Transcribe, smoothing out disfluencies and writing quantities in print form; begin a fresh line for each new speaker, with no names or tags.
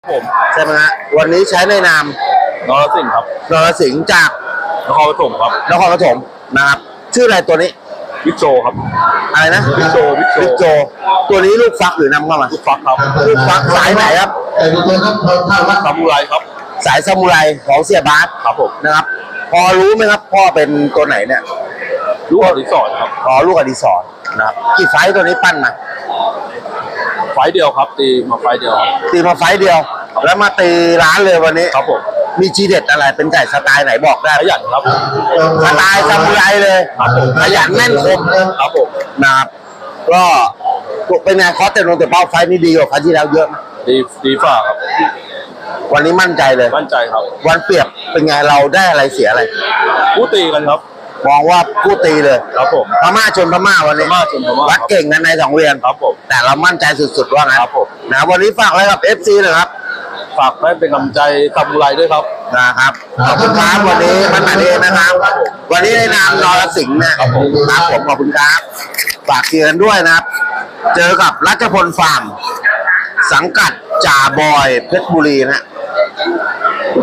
ผม
ใช่ไหมฮะวันนี้ใช้ในนาม
นรสิงห์ครับ
นรสิงห์จาก
นครปฐมครับ
นครปฐมนะครับชื่ออะไรตัวนี้
วิกโจครับ
อะไรนะ
วิกโจ
ตัวนี้ลูกฟักหรือนำเข้ามา
ลูกฟักครับ
ลูกฟักสายไหนครับ
ซามูไรครับ
สายซามูไรของเสียบาส
ครับผม
นะครับพอรู้ไหมครับพ่อเป็นตัวไหนเนี่ย
ลูกอดิศรครับ
ลูกอดิศรนะครับกี่ไฟต์ตัวนี้ปั้นมา
ไฟเดียวครับตีมาไฟเดียว
ตีมาไฟต์เดียวแล้วมาตีร้านเลยวันนี้
ครับผม
มีทีเด็ดอะไรเป็นไก่สไตล์ไหนบอกได้
ขยันครับ
สไตล์ซามูไรเลยขยันแม่นคม
ครับผม
นะครับก็เป็นไงคอสเตนโนแต่เป้าไฟต์นี่ดีกว่าครั้งที่แล้วเยอะ
ดีฝ่าครับ
วันนี้มั่นใจเลย
มั่นใจครับ
วันเปรียบเป็นไงเราได้อะไรเสียอะไร
คู่ตีกันครับ
มองว่าคู่ตีเลย
ครับผม
พม่าชนพม่าวันนี้วัดเก่งกันใน2 เวียน
ครับผม
แต่เรามั่นใจสุดๆว่างั้น
ครับผม
นะวันนี้ฝากอะไรกับ FC เลยครับ
ฝากให้เป็นกำลังใจซามูไรด้วยครับ
นะครับขอบคุณครับวันนี้มันมาเองนะครับวันนี้ในนามนรสิงห์นะครับผมขอบคุณครับฝากเชียร์กันด้วยนะครับเจอกับรัชพลฟาร์มสังกัดจ่าบอยเพชรบุรีนะ